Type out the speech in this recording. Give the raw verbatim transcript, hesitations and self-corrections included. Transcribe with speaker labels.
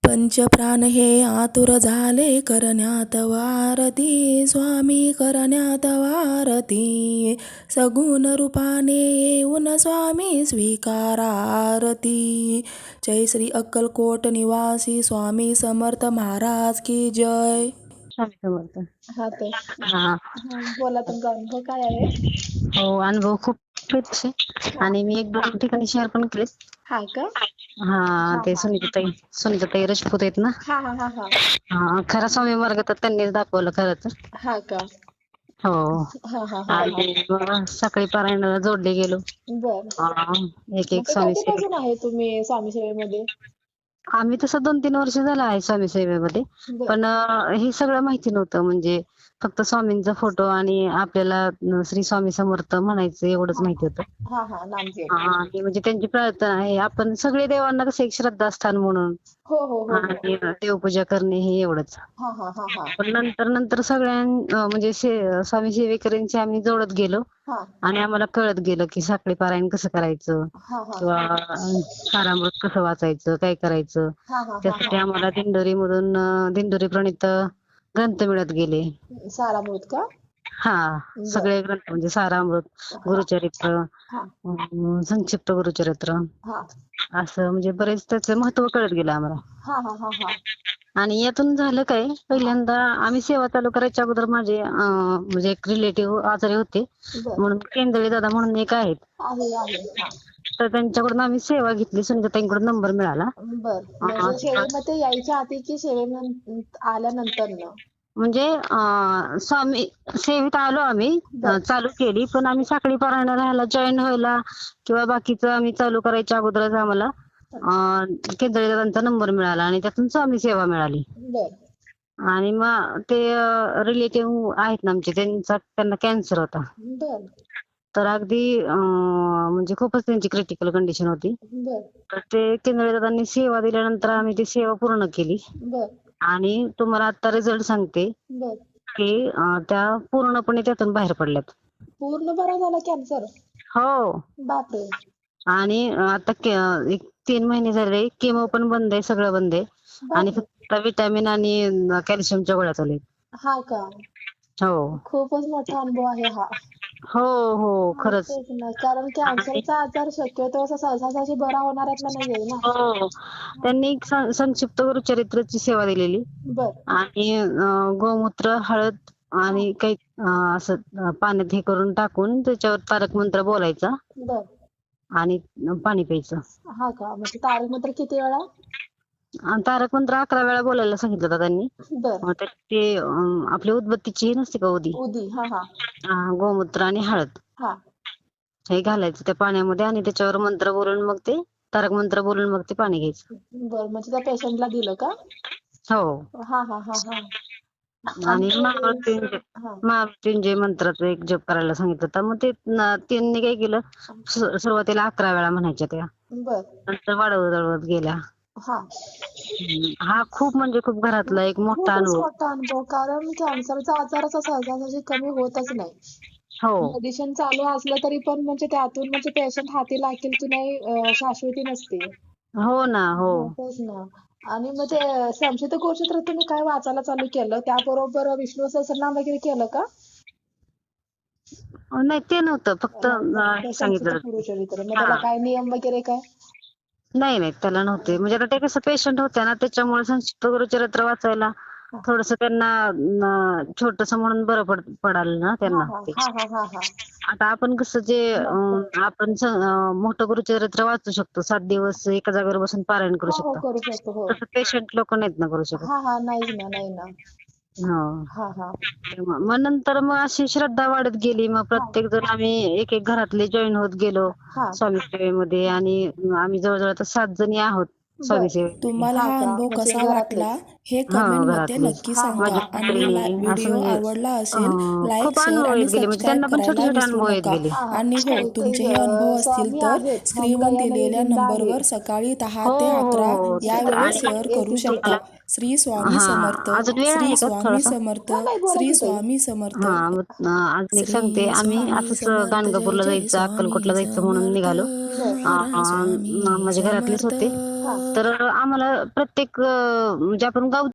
Speaker 1: पंचप्राण हे आतुर झाले करण्यात वारती, स्वामी करण्यात वारती. सगुण रूपाने येऊन स्वामी स्वीकारा आरती. जय श्री अक्कलकोट निवासी स्वामी समर्थ महाराज की जय.
Speaker 2: स्वामी समर्थ.
Speaker 3: हा तर
Speaker 2: हा
Speaker 3: हा, बोला तुमचा अनुभव काय आहे?
Speaker 2: हो, अनुभव खूप आहेत आहे आणि मी एक दोन ठिकाणी शेअर पण केले.
Speaker 3: हा का?
Speaker 2: हा ते
Speaker 3: हा.
Speaker 2: सुनीताताई सुनीताताई राजपूत आहेत ना.
Speaker 3: हा हा हा हा
Speaker 2: हा खरा स्वामी मार्ग तर त्यांनीच दाखवलं खरं तर.
Speaker 3: हा का?
Speaker 2: हो
Speaker 3: हा हा हा
Speaker 2: आणि मग सकाळी पारायणाला जोडले गेलो.
Speaker 3: बर.
Speaker 2: हा, एक एक
Speaker 3: मग
Speaker 2: स्वामी सेवे
Speaker 3: कधीपासून आहे तुम्ही स्वामी सेवेमध्ये?
Speaker 2: आम्ही तसं दोन तीन वर्ष झालं आहे स्वामी सेवेमध्ये.
Speaker 3: बर
Speaker 2: पण अं, हे सगळं माहिती नव्हतं. म्हणजे फक्त स्वामींचा फोटो आणि आपल्याला अं, श्री स्वामी समर्थ म्हणायचं एवढंच
Speaker 3: हा
Speaker 2: माहिती होतं.
Speaker 3: हा हा नामजप.
Speaker 2: हा, आणि म्हणजे त्यांची प्रार्थना आहे. आपण सगळे देवांना कसं एक श्रद्धास्थान म्हणून
Speaker 3: हो हो हो हो.
Speaker 2: आणि देवपूजा करणे हे एवढंच.
Speaker 3: हा हा हा हा
Speaker 2: पण नंतर नंतर सगळ्यां अं, म्हणजे से- स्वामी सेवेकरांची आम्ही जोडत गेलो
Speaker 3: हा
Speaker 2: आणि आम्हाला कळत गेलं की साखळी पारायण कसं करायचं
Speaker 3: हा हा
Speaker 2: किंवा अं, सारामृत कसं वाचायचं, काय करायचं.
Speaker 3: हा हा हा
Speaker 2: त्यासाठी आम्हाला दिंडोरी मधून दिंडोरी प्रणीत ग्रंथ मिळत गेले.
Speaker 3: सारामृत का?
Speaker 2: हा,
Speaker 3: बर.
Speaker 2: सगळे ग्रंथ म्हणजे सारामृत,
Speaker 3: हा
Speaker 2: गुरुचरित्र,
Speaker 3: हा
Speaker 2: अं, संक्षिप्त गुरुचरित्र,
Speaker 3: हा
Speaker 2: असं म्हणजे बरेच त्याचं महत्व कळत गेलं आम्हाला.
Speaker 3: हा हा हा हा
Speaker 2: आणि यातून झालं काय, पहिल्यांदा आम्ही सेवा चालू करायच्या अगोदर माझे अं, म्हणजे एक रिलेटिव्ह आजारी होते.
Speaker 3: बर.
Speaker 2: म्हणून केंदळे दादा म्हणून एक आहेत,
Speaker 3: आहे आहे हा.
Speaker 2: तर त्यांच्याकडून आम्ही सेवा घेतली. सुनीताताईंकडून नंबर मिळाला.
Speaker 3: बर.
Speaker 2: अं,
Speaker 3: म्हणजे सेवेमध्ये यायच्या आधी की सेवेमध्ये आल्यानंतर न?
Speaker 2: म्हणजे अं, स्वामी सेवेत आलो आम्ही,
Speaker 3: बर.
Speaker 2: अं, चालू केली. पण आम्ही साखळी पारायणाला ह्याला जॉईन व्हायला किंवा बाकीचं आम्ही चालू करायच्या अगोदरच आम्हाला अं, केंदळे दादांचा नंबर मिळाला आणि त्यातून स्वामी सेवा मिळाली.
Speaker 3: बर
Speaker 2: आणि मग ते रिलेटिव्ह आहेत ना आमचे, त्यांचा त्यांना कॅन्सर होता.
Speaker 3: बर
Speaker 2: तर अगदी अं, म्हणजे खूपच त्यांची क्रिटिकल कंडिशन होती.
Speaker 3: बर
Speaker 2: तर ते केंद्रे दादांनी सेवा दिल्यानंतर आम्ही ती सेवा पूर्ण केली.
Speaker 3: बर
Speaker 2: आणि तुम्हाला आता रिझल्ट सांगते
Speaker 3: बर.
Speaker 2: की अं, त्या पूर्णपणे त्यातून बाहेर पडल्यात.
Speaker 3: पूर्ण बरा झाला कॅन्सर?
Speaker 2: हो.
Speaker 3: बापरे.
Speaker 2: आणि अं, आता के- एक तीन महिने झाले केमो पण बंद आहे, सगळं बंद आहे. आणि
Speaker 3: बापरे.
Speaker 2: फक्त विटॅमिन आणि कॅल्शियमच्या गोळ्या चालू आहेत.
Speaker 3: हा का?
Speaker 2: हो
Speaker 3: खूपच मोठा अनुभव आहे हा.
Speaker 2: हो हो,
Speaker 3: हा,
Speaker 2: खरंच.
Speaker 3: तेच ना. कारण कॅन्सरचा आजार शक्यतो असा सहजासहजी बरा होणाऱ्यातला नाहीये ना.
Speaker 2: हो, त्यांनी एक सं- संक्षिप्त गुरुचरित्राची सेवा दिलेली
Speaker 3: बर
Speaker 2: आणि अं, गोमूत्र, हळद आणि काही अं, असं अं, पाण्यात हे करून टाकून त्याच्यावर तारक मंत्र बोलायचा
Speaker 3: बर.
Speaker 2: आणि पाणी प्यायचं.
Speaker 3: हा का? म्हणजे तारक मंत्र किती वेळा?
Speaker 2: आणि तारक मंत्र अकरा वेळा बोलायला सांगितलं होतं त्यांनी.
Speaker 3: बर.
Speaker 2: मग ते ते, अं, आपली उदबत्तीची हे नसते का उदी,
Speaker 3: उदी. हा हा
Speaker 2: अं, गोमूत्र आणि हळद
Speaker 3: हा
Speaker 2: हे घालायचं त्या पाण्यामध्ये आणि त्याच्यावर मंत्र बोलून मग ते तारक मंत्र बोलून मग ते पाणी घ्यायचं.
Speaker 3: बर. म्हणजे त्या पेशंटला दिलं का?
Speaker 2: हो.
Speaker 3: हा हा हा हा
Speaker 2: आणि
Speaker 3: आणि
Speaker 2: महामृत्युंजय
Speaker 3: हा
Speaker 2: महामृत्युंजय मंत्राचा एक जप करायला सांगितलं होतं. मग ते न- त्यांनी काय केलं, सु- सुरुवातीला अकरा वेळा म्हणायच्या त्या,
Speaker 3: बर.
Speaker 2: नंतर वाढवत वाढवत गेल्या.
Speaker 3: हा.
Speaker 2: हम्म. हा खूप म्हणजे खूप घरातला एक मोठा
Speaker 3: खूपच
Speaker 2: अनुभव.
Speaker 3: मोठा अनुभव. कारण कॅन्सरचा आजार असा सहजासहजी कमी होतच नाही.
Speaker 2: हो
Speaker 3: मेडिसिन चालू असलं तरी पण म्हणजे त्यातून म्हणजे पेशंट हाती लागेल की नाही अं, शाश्वती नसते.
Speaker 2: हो ना. हो.
Speaker 3: हो, तेच ना. आणि मग ते संक्षिप्त गुरुचरित्र तुम्ही काय वाचायला चालू केलं, त्याबरोबर विष्णू सहस्त्रनाम वगैरे केलं का?
Speaker 2: नाही ते नव्हतं, फक्त
Speaker 3: नाही,
Speaker 2: अं,
Speaker 3: फक्त
Speaker 2: हे
Speaker 3: संक्षिप्त
Speaker 2: सांगितलं.
Speaker 3: गुरुचरित्र. मग
Speaker 2: हा,
Speaker 3: त्याला काय नियम वगैरे काय?
Speaker 2: नाही नाही त्याला नव्हते. म्हणजे आता ते कसं पेशंट होते ना, त्याच्यामुळे संक्षिप्त गुरुचरित्र वाचायला थोडस त्यांना छोटस म्हणून बरं पड पडाल ना
Speaker 3: हा
Speaker 2: त्यांना
Speaker 3: हा
Speaker 2: ते.
Speaker 3: हा हा हा हा
Speaker 2: आता आपण कसं जे अं, आपण स- अं, मोठं गुरुचरित्र वाचू शकतो, सात दिवस एका जागेवर बसून पारायण करू
Speaker 3: हो हो
Speaker 2: शकतो.
Speaker 3: करू शकतो. हो.
Speaker 2: तसं पेशंट लोक नाहीत ना करू शकत.
Speaker 3: हा हा नाहीच ना, नाही ना.
Speaker 2: हो.
Speaker 3: हा हा
Speaker 2: मग नंतर मग अशी श्रद्धा वाढत गेली. मग
Speaker 3: हा
Speaker 2: प्रत्येक जण आम्ही एक एक घरातले जॉईन होत गेलो
Speaker 3: हा
Speaker 2: स्वामी सेवेमध्ये. आणि आम्ही जवळजवळ आता सात जणी आहोत स्वामी
Speaker 3: बर.
Speaker 2: सेवेमध्ये.
Speaker 1: तुम्हाला
Speaker 3: हा
Speaker 1: हा
Speaker 3: का?
Speaker 1: अनुभव
Speaker 3: म्हणजे
Speaker 1: कसा वाटला
Speaker 3: घरातलेच.
Speaker 1: हे
Speaker 2: हो,
Speaker 1: कमेंटमध्ये
Speaker 2: घरातलेच.
Speaker 1: नक्की
Speaker 3: हा हा
Speaker 1: सांगा.
Speaker 2: माझ्या
Speaker 1: आणि ला-
Speaker 2: मैत्रिणी असं
Speaker 1: व्हिडिओ
Speaker 2: म्हणजे
Speaker 1: आवडला असेल
Speaker 2: अं,
Speaker 1: लाईक,
Speaker 2: खूप
Speaker 1: शेअर
Speaker 2: अनुभव
Speaker 1: आणि
Speaker 2: येत गेले. म्हणजे
Speaker 1: सबस्क्राईब
Speaker 2: त्यांना पण छोटे
Speaker 1: करायला
Speaker 2: छोटे
Speaker 1: विसरू
Speaker 2: अनुभव येत
Speaker 1: नका.
Speaker 2: गेले.
Speaker 3: हा हा
Speaker 1: आणि हो,
Speaker 3: ते ते
Speaker 1: तुमचे हे अनुभव
Speaker 3: अं,
Speaker 1: असतील
Speaker 3: स्वामी
Speaker 1: तर
Speaker 3: आहेत.
Speaker 1: स्क्रीनवर
Speaker 3: मंगळानंद
Speaker 1: दिलेल्या
Speaker 3: दिंड आहे.
Speaker 1: नंबरवर सकाळी दहा
Speaker 2: हो
Speaker 1: ते
Speaker 2: हो
Speaker 1: अकरा
Speaker 2: हो.
Speaker 1: या वेळेत
Speaker 2: आणि
Speaker 1: शेअर करू
Speaker 3: येतील
Speaker 1: शकता.
Speaker 2: मला
Speaker 3: तुम्हाला.
Speaker 1: श्री स्वामी
Speaker 2: हा,
Speaker 1: समर्थ.
Speaker 2: अजून वेळ
Speaker 1: श्री
Speaker 2: आहे का
Speaker 1: स्वामी
Speaker 2: थोडासा?
Speaker 1: समर्थ.
Speaker 3: हा नाही, बोला
Speaker 1: श्री
Speaker 3: की ताई.
Speaker 1: स्वामी समर्थ.
Speaker 2: हा, मग अं, अजून एक सांगते.
Speaker 1: श्री
Speaker 2: आम्ही
Speaker 1: स्वामी
Speaker 2: असंच
Speaker 1: समर्थ. जय
Speaker 2: गाणगापूरला
Speaker 1: जय
Speaker 2: जायचं,
Speaker 1: स्वामी
Speaker 2: अक्कलकोटला जायचं म्हणून
Speaker 1: समर्थ.
Speaker 2: निघालो.
Speaker 3: बर
Speaker 1: महाराज
Speaker 2: अं,
Speaker 1: स्वामी
Speaker 2: माझ्या घरातलेच
Speaker 1: समर्थ.
Speaker 2: होते.
Speaker 3: हा
Speaker 2: तर आम्हाला प्रत्येक अं, म्हणजे आपण गाव